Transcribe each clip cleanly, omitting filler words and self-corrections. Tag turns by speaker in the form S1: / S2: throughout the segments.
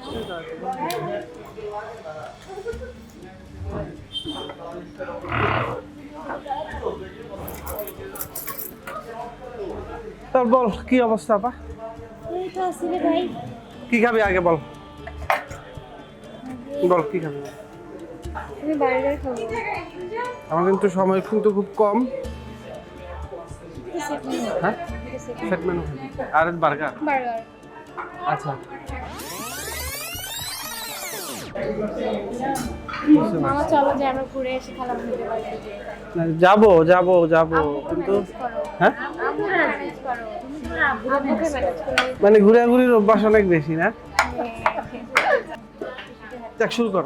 S1: আসছে তোর বল কি অবস্থা আপা?
S2: এই তো আছি রে ভাই।
S1: কি খাবি আগে বল, বল কি খাবি?
S2: আমি বার্গার খাবো।
S1: আমার কিন্তু সময় কিন্তু খুব কম। হ্যাঁ সেট মেনু আর বার্গার।
S2: বার্গার।
S1: আচ্ছা
S2: মামা চলো যে আমরা ঘুরে এসে খেলা খেলতে পারি।
S1: যাবো যাবো যাবো কিন্তু হ্যাঁ
S2: আব্বুকে ম্যানেজ করো। আব্বুকে ম্যানেজ করো।
S1: মানে ঘুরাঘুরির অভ্যাস অনেক বেশি না? দেখ শুরু করো।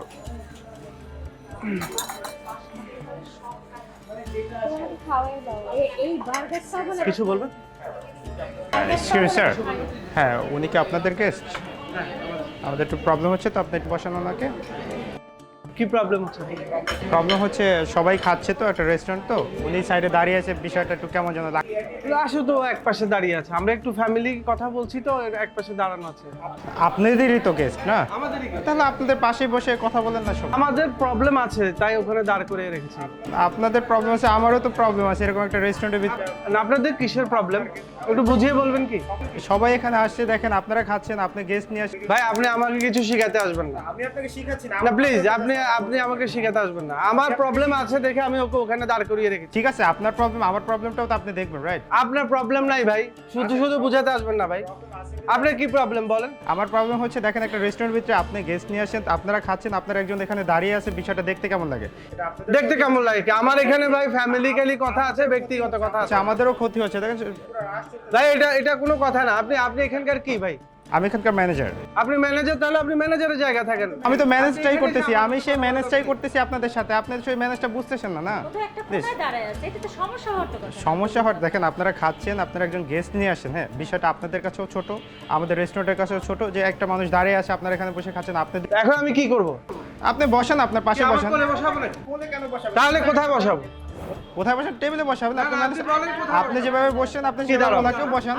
S2: খাওয়াই দাও। এই বার্গারটা বলে
S1: কিছু বলবেন?
S3: এক্সকিউজ স্যার, হ্যাঁ উনি কি আপনাদের গেস্ট? আমাদের একটু প্রবলেম হচ্ছে তো, আপনি একটু বসান ওনাকে।
S1: কি প্রবলেম হচ্ছে?
S3: প্রবলেম হচ্ছে সবাই খাচ্ছে তো, একটা রেস্টুরেন্ট তো, উনি সাইডে দাঁড়িয়ে আছে, বিষয়টা একটু কেমন যেন লাগে।
S1: আসো তো এক পাশে দাঁড়িয়ে আছে, আমরা একটু ফ্যামিলি কথা বলছি তো এক পাশে দাঁড়ানো আছে।
S3: আপনাদেরই তো গেস্ট না?
S1: আমাদেরই কি?
S3: তাহলে আপনাদের পাশে বসে কথা বলেন না সব।
S1: আমাদের প্রবলেম আছে তাই ওখানে দাঁড় করে রেখেছি।
S3: আপনাদের প্রবলেম আছে, আমারও তো প্রবলেম আছে, এরকম একটা রেস্টুরেন্টের ভিতরে
S1: না আপনাদের কিসের প্রবলেম একটু বুঝিয়ে বলবেন কি?
S3: সবাই এখানে আসছে, দেখেন আপনারা খাচ্ছেন, আপনি গেস্ট নিয়ে আসছেন।
S1: ভাই আপনি আমাকে কিছু শিখাতে আসবেন না।
S3: আমি আপনাকে শিখাচ্ছি
S1: না প্লিজ আপনি আপনি আমাকে শিখাতে আসবেন না। আমার প্রবলেম আছে দেখে আমি ওকে ওখানে দাঁড় করিয়ে রেখেছি।
S3: ঠিক আছে, আপনার প্রবলেম, আমার প্রবলেমটাও তো আপনি দেখবেন, রাইট?
S1: আপনার প্রবলেম নাই ভাই, শুধু শুধু বুঝাতে আসবেন না ভাই। আপনার কি প্রবলেম বলেন?
S3: আমার প্রবলেম হচ্ছে দেখেন একটা রেস্টুরেন্টের ভিতরে আপনি গেস্ট নিয়ে আসেন, আপনারা খাচ্ছেন, আপনার একজন এখানে দাঁড়িয়ে আছে, বিষয়টা দেখতে কেমন লাগে?
S1: দেখতে কেমন লাগে কি? আমার এখানে ভাই ফ্যামিলিক্যালি কথা আছে, ব্যক্তিগত কথা আছে।
S3: আচ্ছা, আমাদেরও ক্ষতি হচ্ছে দেখেন।
S1: ভাই এটা এটা কোনো কথা না। আপনি আপনি এখানকার কি ভাই?
S3: আমি এখানকার ম্যানেজার।
S1: আপনি ম্যানেজার, তাহলে আপনি ম্যানেজারের জায়গা থাকেন।
S3: আমি তো ম্যানেজটাই করতেছি, আমি সেই ম্যানেজটাই করতেছি আপনাদের সাথে, আপনাদের সেই ম্যানেজটা বুঝতেছেন না, না?
S2: তো একটা কোথায় দাঁড়ায় আছে? এটা তো সমস্যা হতে কথা।
S3: সমস্যা হয় দেখেন, আপনারা খাচ্ছেন, আপনারা একজন গেস্ট নিয়ে আসেন, হ্যাঁ বিষয়টা আপনাদের কাছেও ছোট, আমাদের রেস্টুরেন্টের কাছেও ছোট, যে একটা মানুষ দাঁড়িয়ে আছে, আপনারা এখানে বসে খাচ্ছেন,
S1: এখন আমি কি করব?
S3: আপনি বসেন, আপনার পাশে
S1: আমার
S3: বসেন।
S1: কোলে বসাবো নাকি? তাহলে কোথায় বসাবো?
S3: কোথায় বসেন? টেবিলে বসাবেন। আপনি
S1: না, আপনি বলেন কোথায়
S3: আপনি যেভাবে বসছেন, আপনি
S1: কি
S3: সেভাবে
S1: দাঁড়াও?
S3: ওনাকেও বসান।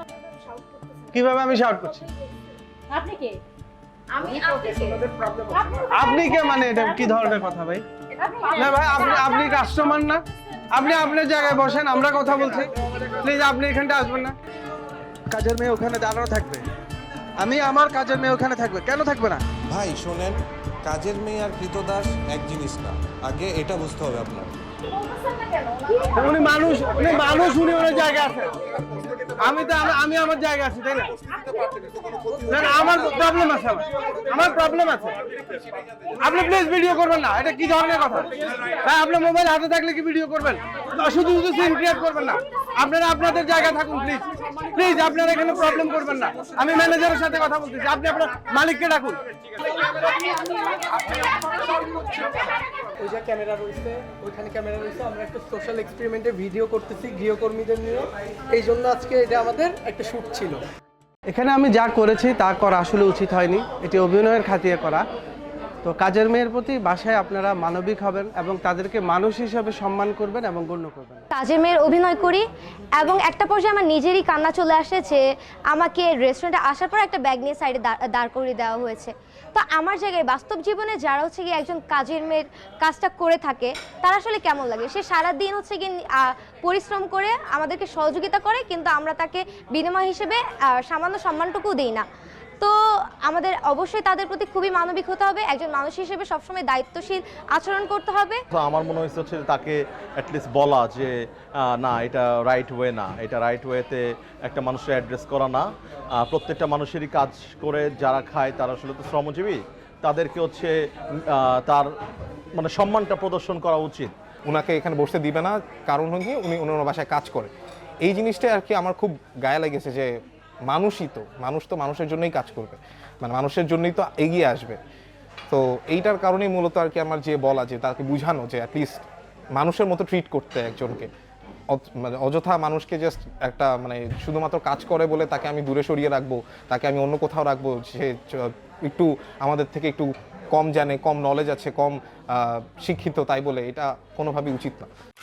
S1: কিভাবে আমি শাউট করছি?
S2: আপনি কে? আমি আপনি কে?
S1: আপনি কে মানে এটা কি ধরনের কথা ভাই? না ভাই আপনি আপনি কাস্টমার না? আপনি আপনার জায়গায় বসেন, আমরা কথা বলছি। প্লিজ আপনি এখানটা আসবেন না। কাজের মেয়ে ওখানে দাঁড়ানো থাকবে, আমি আমার কাজের মেয়ে ওখানে থাকবে, কেন থাকবে না?
S4: ভাই শোনেন, কাজের মেয়ে আর কৃতদাস এক জিনিস না, আগে এটা বুঝতে হবে আপনার।
S1: উনি মানুষ, উনি মানুষ, উনি ওনার জায়গায় আছে। আমি তো আমি আমার জায়গা আছে, তাই না? না না, আমার প্রবলেম আছে, আমার প্রবলেম আছে। আপনি প্লিজ ভিডিও করবেন না, এটা কি ধরনের কথা ভাই? আপনার মোবাইল হাতে থাকলে কি ভিডিও করবেন? শুধু শুধু সিন ক্রিয়েট করবেন না। আপনারা আপনাদের জায়গায় থাকুন প্লিজ। প্লিজ আপনারা এখানে প্রবলেম করবেন না। আমি ম্যানেজারের সাথে কথা বলতেছি, আপনি আপনার মালিককে ডাকুন।
S5: ওই যে ক্যামেরা রয়েছে, ওইখানে ক্যামেরা রয়েছে, আমরা একটা সোশ্যাল এক্সপেরিমেন্টে ভিডিও করতেছি গৃহকর্মীদের নিয়ে, এই জন্য আজকে এটা আমাদের একটা শ্যুট ছিল।
S1: এখানে আমি যা করেছি তা করা আসলে উচিত হয়নি, এটি অভিনয়ের খাতিরে করা। তো কাজের মেয়ের প্রতি বাসায় আপনারা মানবিক হবেন এবং তাদেরকে মানুষ হিসেবে সম্মান করবেন এবং গণ্য করবেন।
S6: কাজের মেয়ের অভিনয় করি এবং একটা পর্যায়ে আমার নিজেরই কান্না চলে আসে যে আমাকে রেস্টুরেন্টে আসার পর একটা ব্যাগ নিয়ে সাইডে দাঁড় করিয়ে দেওয়া হয়েছে। তো আমার জায়গায় বাস্তব জীবনে যারা হচ্ছে গিয়ে একজন কাজের মেয়ের কাজটা করে থাকে তারা আসলে কেমন লাগে? সে সারাদিন হচ্ছে গিয়ে পরিশ্রম করে আমাদেরকে সহযোগিতা করে, কিন্তু আমরা তাকে বিনিময় হিসেবে সামান্য সম্মানটুকু দিই না। তো আমাদের অবশ্যই তাদের প্রতি খুবই মানবিক হতে হবে, একজন মানুষ হিসেবে সবসময় দায়িত্বশীল আচরণ করতে হবে।
S7: তো আমার মনে হচ্ছে তাকে অ্যাটলিস্ট বলা যে না এটা রাইট ওয়ে না, এটা রাইট ওয়েতে একটা মানুষের অ্যাড্রেস করা না। প্রত্যেকটা মানুষেরই কাজ করে যারা খায় তারা আসলে তো শ্রমজীবী, তাদেরকে হচ্ছে তার মানে সম্মানটা প্রদর্শন করা উচিত।
S8: ওনাকে এখানে বসতে দিবে না, কারণ হচ্ছে উনি ওনার বাসায় কাজ করে। এই জিনিসটা আর কি আমার খুব গায়ে লেগেছে যে মানুষ তো মানুষের জন্যই কাজ করবে, মানে মানুষের জন্যই তো এগিয়ে আসবে। তো এইটার কারণেই মূলত আর কি আমার যে বলা, যে তাকে বুঝানো যে অ্যাটলিস্ট মানুষের মতো ট্রিট করতে একজনকে। মানে অযথা মানুষকে জাস্ট একটা মানে শুধুমাত্র কাজ করে বলে তাকে আমি দূরে সরিয়ে রাখবো, তাকে আমি অন্য কোথাও রাখবো, সে একটু আমাদের থেকে একটু কম জানে, কম নলেজ আছে, কম শিক্ষিত তাই বলে, এটা কোনোভাবেই উচিত না।